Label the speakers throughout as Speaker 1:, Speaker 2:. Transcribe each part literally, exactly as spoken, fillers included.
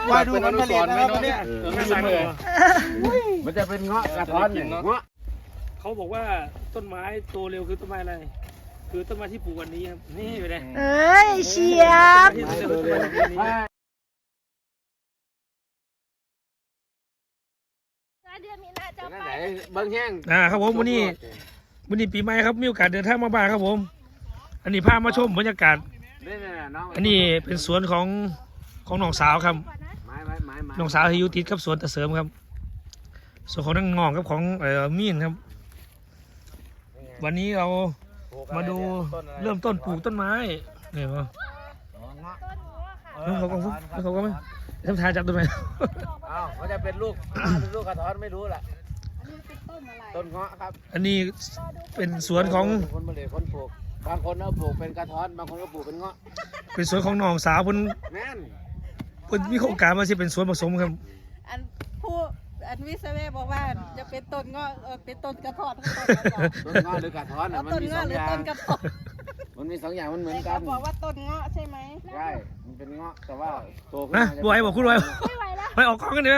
Speaker 1: ว่าดูมันผลิตนะครับวันนี้
Speaker 2: ไม่สั่งเลยมันจะเป็นเงาะกระท้อนเนี่ยเงาะ
Speaker 3: เขาบอกว่าต้นไม้โตเร็วคือต้นไม้อะไรคือต้นไม้ที่ปลูกวันนี้ครับนี่อยู่เลย
Speaker 4: เอ้ยเชียบ
Speaker 5: เดือนมีนาจะไป
Speaker 2: บางแห้ง
Speaker 3: อ่าครับผมวันนี้วันนี้ปีใหม่ครับมีโอกาสเดินทางมาบ้านครับผมอันนี้พามาชมบรรยากาศอันนี้เป็นสวนของของน้องสาวครับน้องสาวที่อยู่ติดกับสวนตะเสริมครับส่วนของนั่งงองกับของเอ่อมีนครับวันนี้เรามาดูเริ่มต้นปลูกต้นไม้เนี่ยมั้งแล้วเขาก็แล้วเขาก็ไม่ทำทายจับต้นไม้
Speaker 2: อ้าวมันจะเป็นลูกเป็นลูกกระท้อนไม่รู้ล่ะต้นเงาะครับ
Speaker 3: อันนี้เป็นสวนของ
Speaker 2: คนผลิตคนปลูกบางคนเอาปลูกเป็นกระท้อนบางคนก็ปลูกเป็นเงาะ
Speaker 3: เป็นสวนของน้องสาวเพิ่น
Speaker 2: แม่น
Speaker 3: เพิ่นมีโครงการมาสิเป็นสวนผสมครับ
Speaker 4: อันผู้อันวิศวะบอกว่าจะเป็นต้นเงาะเป็นต้นกระท้อน
Speaker 2: ต้นเงาะหรือกระท้อนมันมีสองอย่างมันมีสองอย่างมันเหมือนกัน
Speaker 4: บอกว่าต้นเงาะใช่ไหม
Speaker 2: ใช่มันเป็นเงาะแต่ว่าโตขึ้น
Speaker 3: นะบวยบอกคุณบวย
Speaker 5: ไม่ไหวแล้ว
Speaker 3: ไปออกกล้องกันเดี๋ยว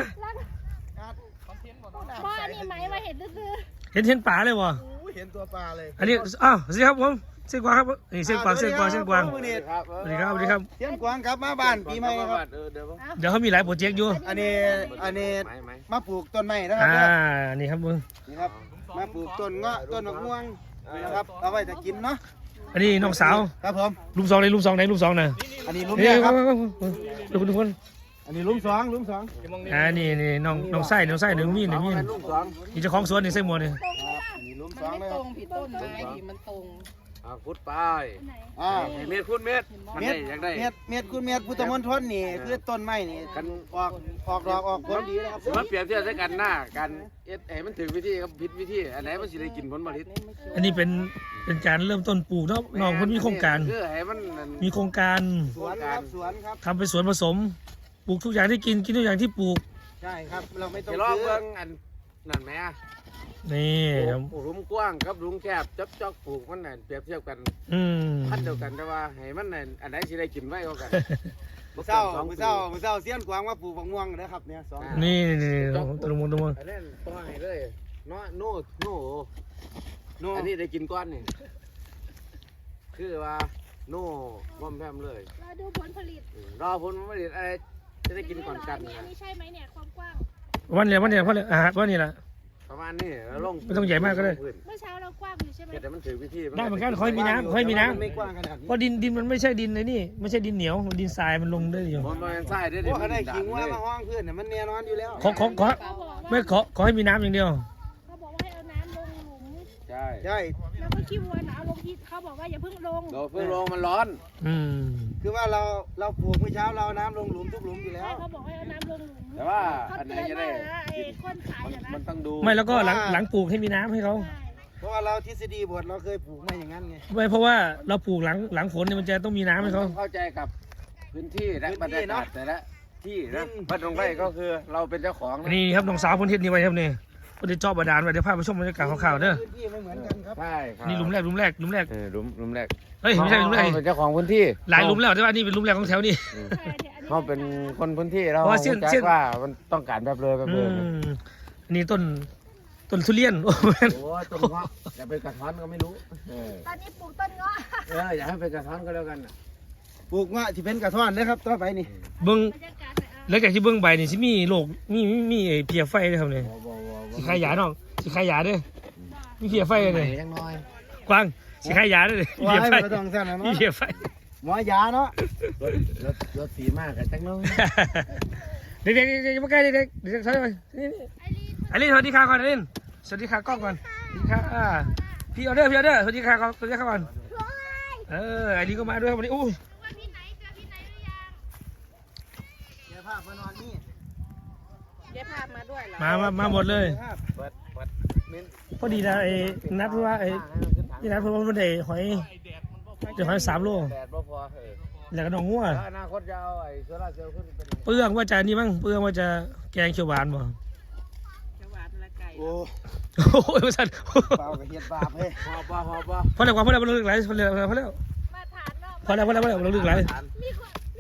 Speaker 5: พ่อนี่ไหมมาเห็นซื่อ
Speaker 3: เห็นเห็นป่าเลยวะ
Speaker 1: เห็นตัวปลาเลย
Speaker 3: อันนี้อ้าวสิครับผมเส้นกวางครับนี่เส้นกวางเส้นกวางเส้นกวางสวัสดีครับสวัสดีครับ
Speaker 1: เส้นกวางครับมาบ้านปีใหม่ครับ
Speaker 3: เดี๋ยวเขามีหลายโปรเจกต์อยู่
Speaker 1: อันนี้อันนี้มาปลูกต้นไม้นะครั
Speaker 3: บอ่านี่ครับมึง
Speaker 1: นี่ครับมาปลูกต้นเงาะต้นมะม่วงนะครับเอาไว้จะกินเนาะ
Speaker 3: อันนี้น้องสาว
Speaker 1: ครับผม
Speaker 3: ลุมสองไหนลุมสองไหนลุมสองน่ะ
Speaker 1: อันนี้ลุมแรกครับ
Speaker 3: ดูคนดูคน
Speaker 1: อันนี้ลุมสองลุมสอง
Speaker 3: อ่านี่นี่น้องน้องไส้น้องไส้หนึ่งมีหนึ่งมีนี่เจ้าของสวนนี่ไส้หมดนี่
Speaker 1: อันนี้ลุมสองเลย
Speaker 4: ตรงผิดต้นไม้มันตรง
Speaker 2: อ่าพุดไปอ่าเม็ดพุดเม็ด
Speaker 1: เม็ดเม็ดเม็ดคุณเม็ดพุทธมณฑลนี่คือต้นไม้นี่กันออกออกดอกออกผลดีนะครับ
Speaker 2: มันเปรียบเทียบด้วยกันหน้ากันเอ็ดเอ๋มันถึงวิธีกับผิดวิธีอันไหนมันสิได้กินผลผลิต
Speaker 3: อันนี้เป็นเป็นการเริ่มต้นปลูกเนาะน้องเพิ่นมีโครงการมีโครงการ
Speaker 1: สวนครับสวนครับ
Speaker 3: ทำเป็นสวนผสมปลูกทุกอย่างที่กินกินทุกอย่างที่ปลูก
Speaker 1: ใช่ครับเราไม่ต้อง
Speaker 2: ซื้อเบิ่งอันนั่นไหม
Speaker 3: นี่
Speaker 2: ปลูกรุมกว้างกับรุมแคบจับจอกปลูกมันนั่นเปรียบเทียบกันพันเดียวกันแต่ว่าให้มันนั่นอันไหนสิได้กินไว้ก็กัน
Speaker 1: มือเศร้ามือเศร้ามือเศร้าเสี้ยนกวางว่าปลูกบางม่วงนะครับเนี่ยสอง
Speaker 3: นี่นี่ตัวมุนตัวมุน
Speaker 2: อันนั้นต้องให้เลยเนาะโน่โน่โน่อันนี้ได้กินก้อนนี่คือว่าโน่ม่อมแพมเลย
Speaker 5: รอดูผลผลิต
Speaker 2: รอผลผลิตอะไรจะได้กินก่อนกัน
Speaker 5: อันนี้ใช่ไหมเนี่ยความกว้าง
Speaker 3: วันเดียววันเดียววันเดียวอ่าวันนี้แหละ
Speaker 2: ประมาณนี้แล้วลง
Speaker 3: ไม่ต้องใหญ่มากก็ได้
Speaker 5: เมื่อเช้าเรากว้างอยู่ใช่ไหม
Speaker 2: แต่มันถือวิธี
Speaker 3: ได้เหมือนกันค่อยมีน้ำค่อยมีน้ำเพราะดินดินมันไม่ใช่ดินเลยนี่ไม่ใช่ดินเหนียวมันดินทรายมันลงได้อยู่
Speaker 2: มันเป็นทรายได้
Speaker 1: ดิเพราะได้ขิงว่ามาห้องเพื่อนเนี่ยมันแน่นอนอยู่แล้ว
Speaker 3: ขอขอขอไม่ขอขอให้มีน้ำอย่างเดียว
Speaker 5: เขาบอกว่าให้เอาน้ำลงหลุม
Speaker 2: ใช่
Speaker 1: ใช่
Speaker 5: แล้วก็ขี้วัวเอาลงที่เขาบอกว่าอย่าเพิ่งลง
Speaker 2: เราเพิ่งลงมันร้อน
Speaker 3: อืม
Speaker 1: คือว่าเราเราปลูกเมื่อเช้าเราน้ำลงหลุมทุกหลุมอยู่แล้ว
Speaker 5: เขาบอกให้เอาน้ำลงหลุม
Speaker 2: แต่ว่าอันไหนจะได้
Speaker 5: คนขาย
Speaker 2: มันต้องดู
Speaker 3: ไม่แล้วก็หลังหลังปลูกให้มีน้ำให้เขา
Speaker 1: เพราะว่าเราทฤษฎีบทเราเคยปลูกมาอย่างนั้นไง
Speaker 3: ไม่เพราะว่าเราปลูกหลังหลังฝนเนี่ยมันจะต้องมีน้ำให้เขา
Speaker 2: เข้าใจกับพื้นที่และบรรยากาศแต่ละที่นะบ้านตรงไร่ก็คือเราเป็นเจ้าของ
Speaker 3: นี่ครับน้องสาวคนเทศนี่ไว้ครับนี่คนที่จอบบาดาลไว้เดี๋ยวพาไปชมบรรยากาศข่าวๆเด้อ
Speaker 1: พื้นที่ไม่เหมือนกันครับ
Speaker 2: ใช่ครับ
Speaker 3: นี่หลุมแรกหลุมแรกหลุมแรก
Speaker 2: เออหลุมหลุมแรก
Speaker 3: เฮ้ยไม่ใช่หลุมแรก
Speaker 2: เป็นเจ้าของพื้นที่
Speaker 3: หลายหลุมแล้วแต่ว่านี่เป็นหลุมแรกของแถวนี้
Speaker 2: เขาเป็นคนพื้นที่เราเข้าใจว่ามันต้องการแบบเลยแบบเลย
Speaker 3: นี่ต้นต้นทุเรียนโอ้
Speaker 2: โหต้นเงาะอย่าไปกระท้อนก็ไม่รู้
Speaker 5: ตอนนี้ปลูกต้นเงาะ
Speaker 2: เอออย่าให้ไปกระท้อนก็แล้วกัน
Speaker 1: ปลูกเงาะที่เป็นกระท้อนเลยครับต่อไปนี่
Speaker 3: เบิ้งแล้วจากที่เบิ้งใบนี่สิมีโรคมีมีมีเพียไฟด้วยครับเนี่ยสิขายยาน้องสิขายยาด้วยมีเพียไฟเลยกว้างสิขายยาด้วย
Speaker 1: เพียไฟ
Speaker 3: มีเพียไฟ
Speaker 1: หมอยาเนาะ
Speaker 2: รถรถรถสีมากกันจังเลย
Speaker 3: เด็กเด็กเด็กมาใกล้เด็กเด็กเด็กใช่ไหมนี่นี่ไอรินสวัสดีค่ะก่อนไอรินสวัสดีค่ะกล้องก่อนสวัสดีค่ะพี่ออเดอร์พี่ออเดอร์สวัสดีค่ะก่อนสวัสดีค่ะก่อนเออไอรินก็มาด้วยวันนี้อู้
Speaker 1: เดี๋ยวภาพมานอนนี่
Speaker 4: เดี๋ยวภาพมาด้วยเหรอ
Speaker 3: มามามาหมดเลยพอดีนะไอ้นัดเพราะว่าไอ้ที่นัดเพราะว่ามันได้หอยเดี๋ยวหอยสามโลแล้วก็น้องงัว
Speaker 2: อนาคตจะเอาไอ้โซล่าเซลล์ขึ้นเป็น
Speaker 3: เปลืองว่าจะนี่มั้งเปลืองว่าจะแกงเขียวหวานบ่
Speaker 4: เขียวหวานละไก่
Speaker 1: โอ้
Speaker 3: โหไม่ใช่
Speaker 1: เปล่ากับเห็ดบาปเฮ้ย
Speaker 2: หอบบ่หอบบ่
Speaker 3: พอแล้วพอแล้วพอแล้วพอแล้วพอแล้วพอแล้วพอแล้วพอแล้วพอแล้วพอแล้วเราลึกไหล
Speaker 5: มีคนมี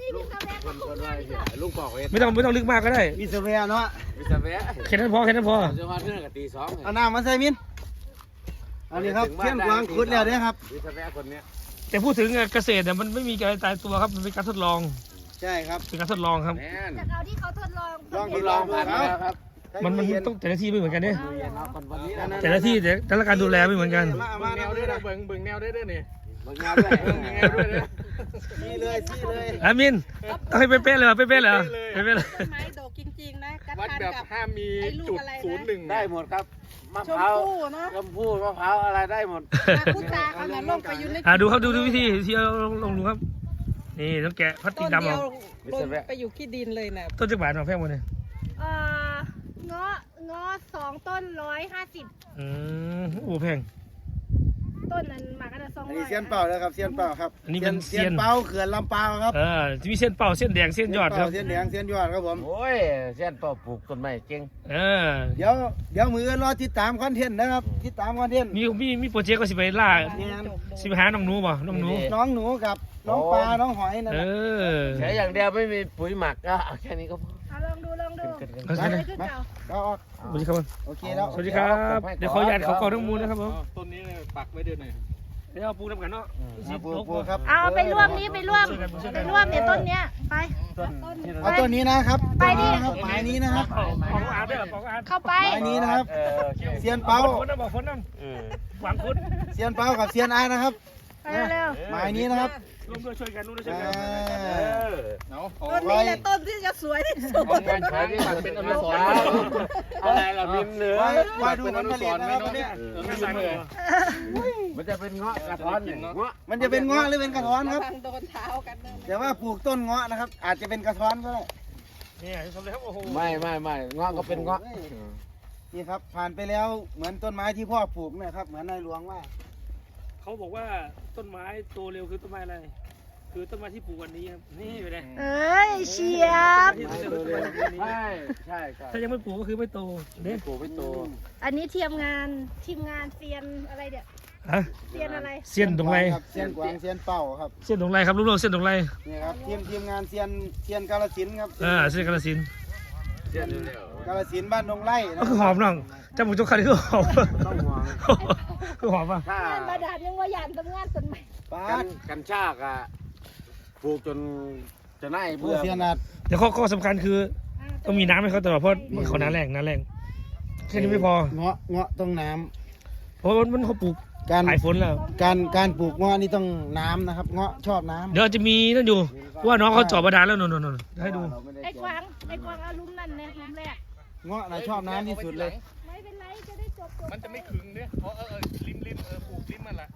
Speaker 5: นี่
Speaker 2: ลุ
Speaker 5: พี่
Speaker 2: ง
Speaker 5: สาวแม่
Speaker 2: ค
Speaker 5: ก็
Speaker 2: น
Speaker 5: คุ
Speaker 2: ค
Speaker 5: ณ
Speaker 2: น
Speaker 5: เล
Speaker 2: ว่าย เหี้ยลุงบอกเฮ็ด
Speaker 3: ไม่ต้องไม่ต้องลึกมากก็ได้
Speaker 1: วิศวะเนาะ
Speaker 2: วิศวะ
Speaker 3: แค่นั้นพอแค่นั้นพอ
Speaker 2: จะมาเรื่องกับตีสอง
Speaker 1: เอาน้ำมาใส่มินอันนี้ครับเทียนกวางขุดแล้วเด้อครับ
Speaker 2: วิศวะคนเนี้ย
Speaker 3: แต่พูดถึงเกษตรเนี่ยมันไม่มีการตายตัวครับมันเป็นการทดลอง
Speaker 1: ใช่ครับ
Speaker 3: เป็นการทดลองครับ
Speaker 2: แน่น
Speaker 5: จากเอาที่เขาทดลอง
Speaker 1: ลอง
Speaker 2: ทดลองผ่านมาแล้วครับ
Speaker 3: มันมันต้องแต่ละที่ไม่เหมือนกันเนี่ย
Speaker 2: ดูเย็นเนาะคนวันนี้นะ
Speaker 3: แต่ละที่แต่แต่ละการดูแลไม่เหมือนกัน
Speaker 1: มามาแนวด้วยนะ
Speaker 2: เบิ่งเบิ่งแนวได้ด้วยนี่เบิ่งแนวด้วยเบิ่งแนวด้วยนะ
Speaker 1: ชี้เลยชี้เลย
Speaker 3: อามินต้องให้เป๊ะๆเลยเหรอเป๊ะๆเลยเหรอเป๊ะๆเลย
Speaker 4: ต้นไม้ดอกจริงๆนะกระ
Speaker 6: วัด
Speaker 4: ทาน
Speaker 6: แบบ
Speaker 4: กับ
Speaker 6: ห้ามมี
Speaker 4: ไอ้ลูก
Speaker 6: จุด
Speaker 4: อะไรนะ
Speaker 6: ศูนย์หนึ่ง
Speaker 2: ได้หมดครับมะ
Speaker 4: ช
Speaker 2: พ
Speaker 4: ม
Speaker 2: ร้าว
Speaker 4: พู่เนาะ
Speaker 2: ชมพู่มะพร้าวอะไรได้หมด
Speaker 4: มาพูดจาเขาน่ะลงไปอยู่ใน
Speaker 3: อ่าดูครับดูดูวิธีที่เราลงลงดูครับนี่ต้องแกะพลาสติ
Speaker 4: ต้
Speaker 3: ก
Speaker 4: น
Speaker 3: ดำ
Speaker 4: เดี
Speaker 3: อ
Speaker 4: ยว
Speaker 3: อก
Speaker 4: ลงไปอยู่ขี้ดินเลยน่ะ
Speaker 3: ต้นจักรบาทมาแพงหมดเลย
Speaker 5: เอ่อเงาะเงาะสองต้นร้อยห้าสิบ
Speaker 3: อืมโอ้แพง
Speaker 5: ต้นนั้นหมากกันละสอง
Speaker 1: อัน
Speaker 5: ร้อ
Speaker 1: นี้
Speaker 5: ย
Speaker 1: เซียนเป่าแล้วครับเซียนเป่าครับ
Speaker 3: อันนี้เป็นเซียน
Speaker 1: เป่าเขื่อนลำเปาวครับ
Speaker 3: เออจะมีเส้นเป่าเส้นแดงเส้นยอดครับ
Speaker 1: เซียนแดงเซียนยอดครับผม
Speaker 2: โอ้ยเส้นเป่าปลูกต้นไม้เก่ง
Speaker 3: เออ
Speaker 1: เดี๋ยวเดี๋ยวมือรอติดตามคอนเทนต์นะครับติดตามคอนเทนต์
Speaker 3: มีมีมีโปรเจกต์ก็สิไปล่า
Speaker 1: เนี่ย
Speaker 3: สิไปหาน้องหนูบ่น้องหนู
Speaker 1: น้องหนูกับน้องปลาน้องหอยนั่น
Speaker 3: เอ
Speaker 1: น่ะ
Speaker 3: อ
Speaker 2: ใช้อย่างเดียวไม่มีปุ๋ยหมักก็เอาแค่นี้ก็พอ
Speaker 5: เอาลองดูลองดู
Speaker 2: ขึ้นขึ้น
Speaker 3: เอา
Speaker 5: อะ
Speaker 3: ใช่
Speaker 5: ไร
Speaker 3: ไหม
Speaker 5: ขึ้นเก่า
Speaker 1: ก็ออก
Speaker 3: สวัสดีครับ
Speaker 1: โอเคแล้ว
Speaker 3: สวัสดีครับ เดี๋ยวขออนุญาตเขาเข้าทั้งมูลนะครับผม
Speaker 6: ต้นนี้เนี่ยปักไว้เดือนไหน
Speaker 3: เดี๋ยวเอาปูนำกันเนาะ
Speaker 1: มาปลูกปลูกครับ
Speaker 5: เอาไปร่วมนี้ไปร่วมไปร่วมเนี่ยต้นเนี้ยไป
Speaker 1: เอาตัวนี้นะครับ
Speaker 5: ไปดิ
Speaker 1: ครับหมายนี้นะครับ
Speaker 3: ของของอาร์ตด้วยของอาร์ต
Speaker 5: เข้าไป
Speaker 1: หมายนี้นะครับ
Speaker 2: เออโอเค
Speaker 1: เซียนเป้า
Speaker 3: ฝนน้ำบอกฝนน้
Speaker 2: เออ
Speaker 3: ำหวังคุณ
Speaker 1: เซียนเป้ากับเซียนอาร์นะครับ
Speaker 5: ไปเร็ว
Speaker 1: หมายนี้นะครับ
Speaker 3: ร่วมด้วยช่วยกันร่วมด้วยช่วย
Speaker 1: อ่า
Speaker 3: กัน
Speaker 2: เออ
Speaker 6: เอาเอา
Speaker 4: ต้นนี้แหละต้นที่จะสวยที่สุด
Speaker 6: เอางานช้างปักเป็นอนุสรณ์
Speaker 2: อะไรล่ะมินเหนือ
Speaker 1: ไว้ไว้ดูผลผลิตนะครับวันเนี้ย
Speaker 6: เออไม่สั่งเลย
Speaker 2: มันจะเป็นเงาะกระท้อนเนี่ยเงาะ
Speaker 1: มันจะเป็นเงาะหรือเป็นกระท้อนครับ
Speaker 4: ทางโดนเท้ากันนะ
Speaker 1: แต่ว่าปลูกต้นเงาะนะครับ อาจจะเป็นกระท้อนก็ได้
Speaker 3: เนี่ยทำเลยครับโอ้โห
Speaker 2: ไม่ไม่ไม่เงาะก็เป็นเงาะ
Speaker 1: นี่ครับผ่านไปแล้วเหมือนต้นไม้ที่พ่อปลูกเนะครับเหมือนนายหลวงว่า
Speaker 3: เขาบอกว่าต้นไม้โตเร็วคือต้นไม้อะไร คือต้นไม้ที่ปลูกวันนี้ครับ นี่อยู่เลย
Speaker 5: เอ้ยเชียบ
Speaker 2: ใช่ใช่ใช่
Speaker 3: ถ้ายังไม่ปลูกก็คือไม่โตเด้
Speaker 2: ปลูกไม่โต
Speaker 5: อันนี้ทีมงานทีมงานเซียนอะไรเดี๋ยว
Speaker 3: ฮะ
Speaker 5: เซียนอะไร
Speaker 3: เส้นตรงไร
Speaker 1: ครับเซียนกวางเซียนเป่าครับ
Speaker 3: เส้นตรงไรครับลูกๆเส้นตรงไร
Speaker 1: นี่ครับทีมทีมงานเซียนเซียนกาลสินธุ์ครับ
Speaker 3: อ่าเส้นกาฬสินธุ์
Speaker 2: เชื่อเร็ว
Speaker 1: กาลสินธุ์บ้านดงไร่
Speaker 3: ก็คือหอมน้องจำผมจกคันคือหอม
Speaker 2: ต้องห่วง
Speaker 3: คือหอมป่ะ
Speaker 2: ถ้าง
Speaker 5: านประดาบยังว่าหยานทำงานต้นไม้
Speaker 1: ป้า
Speaker 2: กั
Speaker 1: ด
Speaker 2: นกันชากอะปลูกจนจะน่าย
Speaker 1: ผู้
Speaker 2: เบื่อ
Speaker 1: เซียนอาด
Speaker 3: เดี๋ยวข้อข้อสำคัญคือต้องมีน้ำให้เขาตลอดเพราะเขาน้ำแรงน้ำแรงแค่นี้ไม่พอ
Speaker 1: เงาะเงาะต้องน้
Speaker 3: เพราะมันเขาปลูก
Speaker 1: ำการ
Speaker 3: หลายฝนแล้ว
Speaker 1: การการปลูกเงาะนี่ต้องน้ำนะครับ เงาะชอบน้ำ
Speaker 3: เดี๋ยวจะมีนั่นอยู่ว่าน้องเขาเจาะบาดาลแล้วนนนนให้ดู
Speaker 5: ไอ้กวางไอ้กวางเอาลุ้มนั่นเนี่ยลุ้มแรก
Speaker 1: เงาะนะชอบน้ำที่สุดเลย
Speaker 5: ไม่เป็นไรจะได้จบจบ
Speaker 6: มันจะไม่ขึงเนี่ยเพราะเออเออริมริมเออปลูกริมมันละ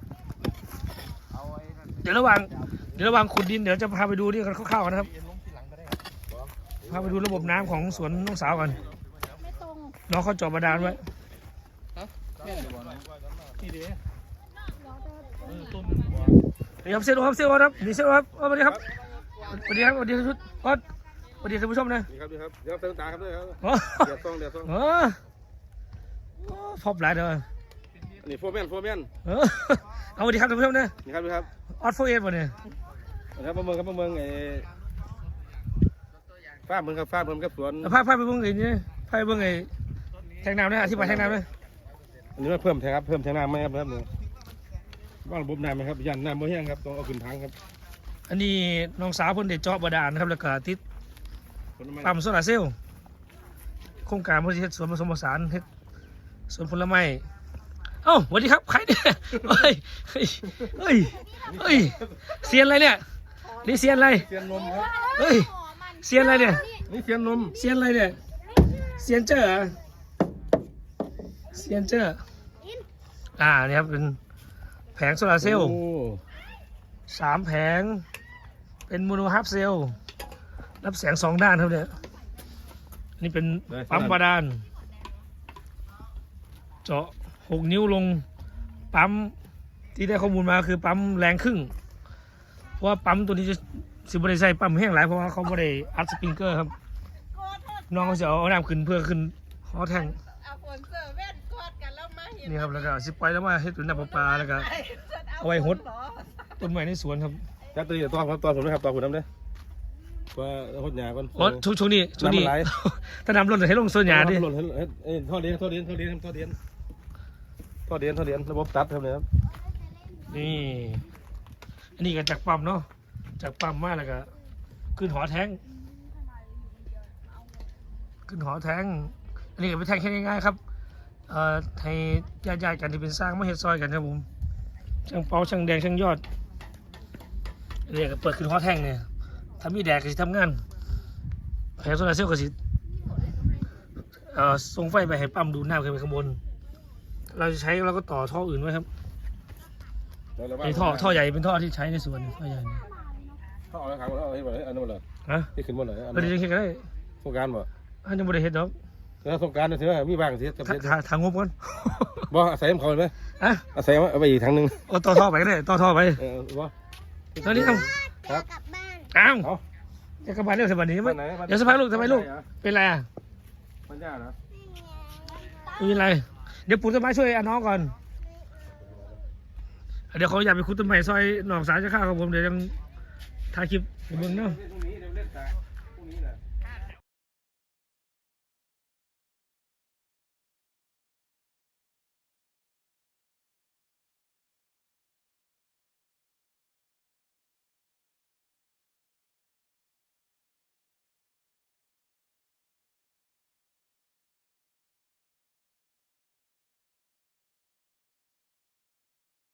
Speaker 3: เดี๋ยวระหว่างเดี๋ยวระหว่างขุดดินเดี๋ยวจะพาไปดูนี่กันคร่าวๆกันนะครับพาไปดูระบบน้ำของสวนน้องสาวกัน
Speaker 5: ไม่ตรง
Speaker 3: น้องเขาเจาะบาดาลไว้
Speaker 6: นี่เด้
Speaker 3: นี่ครับเซลล์ครับเซลล์ครับนี่เซลล์ครับสวัสดีครับสวัสดีครับสวัสดีทุกท่านสวัสดีท่านผู้ชมนะ
Speaker 6: นี่ครับนี่ครับเดี๋ยวเติมตาครับด้วยครับ
Speaker 3: อ๋อ
Speaker 6: เดี๋ยวต้องเดี๋ยวต้อง
Speaker 3: เออพบหลายเด้อ
Speaker 6: นี่โฟร์แมนโฟร์แมน
Speaker 3: เออเอาสวัสดีครับท่านผู้ชมนะ
Speaker 6: นี่ครับนี่ครับ
Speaker 3: ออดโฟเอสป่ะเนี่ย
Speaker 6: นะครับประเมินครับประเมินไอ้ฟ้าเมืองครับฟ้าเมืองครับสวน
Speaker 3: พาพาไปเบิ่งไอ้นี่พาไปเบิ่งไอ้แทงน้ำนะอธิบายแทงน้ำนะ
Speaker 6: อันนี้มาเพิ่มแทงครับเพิ่มแทงน้ำไหมครับครับเนี่ยว่างระบบน้ำไหมครับยันน้ำบ่แห้งครับต้องเอาขึ้นถังครับ
Speaker 3: อันนี้น้องสาวเพิ่นได้เจาะบาดาลนะครับแล้วก็ติด
Speaker 6: ผลไม้
Speaker 3: ปั๊มโซลาร์เซลล์โครงการบริษัทสวนผสมผสานเฮ็ดสวนผลไม้เอ้าสวัสดีครับใครเนี่ยเฮ้ยเฮ้ยเฮ้ยเฮ้ยเซียนอะไรเนี่ยนี่เซียนอะไร
Speaker 6: เสียนนมครับ
Speaker 3: เฮ้ยเซียนอะไรเนี่ย
Speaker 6: นี่เสียนนม
Speaker 3: เซียนอะไรเนี่ยเซียนเจอร์เหรอเซียนเจอร์อ่านี่ครับเป็นแผงโซลาร์เซลล์
Speaker 6: โอ้
Speaker 3: สามแผงเป็นโมโนฮาร์ฟเซลล์รับแสงสองด้านครับเนี่ยนี่เป็นปั๊มบาดาลเจาะหกนิ้วลงปั๊มที่ได้ข้อมูลมาคือปั๊มแรงครึ่งเพราะว่าปั๊มตัวนี้จะสิบริใส่ปั๊มแห้งหลายเพราะว่าเขาไม่ได้อัดสปริงเกอร์ครับน้องเขาจะเอาน้ำขึ้นเพื่อขึ้นฮอแทง
Speaker 4: เอาฝนเสื้อเว่นกอดกันแล้วมาเห็น
Speaker 3: นี่ครับแล้วก็สิปล่อยแล้วมาให้ตุนน้ำประปาแล้วก็เอาไว้หดต้นไม้ในสวนครับ
Speaker 6: จัดตัวนี้ตัวครับตัวผมนะครับตัวผมน้ำเด้อว่าหดหยาก่อน
Speaker 3: โอ้ช่วงช่วงนี้ช่วงนี้
Speaker 6: น้ำมันไหล
Speaker 3: ถ้าน้ำล้นให้ลงโซนหยาดิ
Speaker 6: หล่นให้ให้เอ้ยท่อเดียนท่อเดียนท่อเดียนท่อเดียนท่อเดียนท่อเดียนระบบตัดครับเนี่ยครับ
Speaker 3: นี่อันนี้ก็จากปั๊มเนาะจากปั๊มมาแล้วก็ขึ้นหอแทงขึ้นหอแทงอันนี้ก็เป็นแทงแค่ง่ายๆครับเอ่อให้ญาติๆกันที่เป็นสร้างมาเฮ็ดซอยกันครับผมช่างเปาช่างแดงช่างยอดอันนี้ก็เปิดขึ้นหอแทงเนี่ยถ้ามีแดดก็สิทำงานแผงโซลาร์เซลล์ก็สิเอ่อส่งไฟไปให้ปั๊มดูดน้ำขึ้นไปข้างบนเราจะใช้เราก็ต่อท่ออื่นไว้ครับไอ้ท่อท่อใหญ่เป็นท่อที่ใช้ในสวนท่อใหญ่เนี่ย
Speaker 6: ท่อเอาแล้วครับเอาให้หมดเลยอันนั้นหมดเลย
Speaker 3: ฮะ
Speaker 6: ที่ขึ้นหมดเลยอัน
Speaker 3: เออเดี๋ยวจะเฮ็ดก็ได้
Speaker 6: สงการบ่
Speaker 3: อันยังบ่ได้เฮ็ดดอก
Speaker 6: แล้วสงการถือว่ามีบางเสียกับ
Speaker 3: ถ้า
Speaker 6: เสีย
Speaker 3: ถ้าทางงบก่อน
Speaker 6: บ่อาศัยเขาเลยไหม
Speaker 3: อะ
Speaker 6: อาศัยเอาไปอีกทางหนึง
Speaker 3: เอาต่อท่อไปก็ได้ต่อท่อไป
Speaker 6: เออบ่
Speaker 3: ตอนนี้เอา
Speaker 6: ครับ
Speaker 3: อ้าว
Speaker 6: เอา
Speaker 3: จะกลับบ้านเร็วสบันนี้
Speaker 6: บ้านไหนบ้าน
Speaker 3: เดี๋ยวสักพักลูกทำไมลูกเป็นไรอ่ะ
Speaker 6: มันยากนะ
Speaker 3: ไม่เป็นไรเดี๋ยวปู่ต้นไม้ช่วยอาน้องก่อนเดี๋ยวเขาอยากไปคุดต้นไม้ซอยหนองสายจะข้าวกับผมเดี๋ยวยังถ่ายคลิปให้เบิ่งเนาะ
Speaker 6: พรุ่งนี้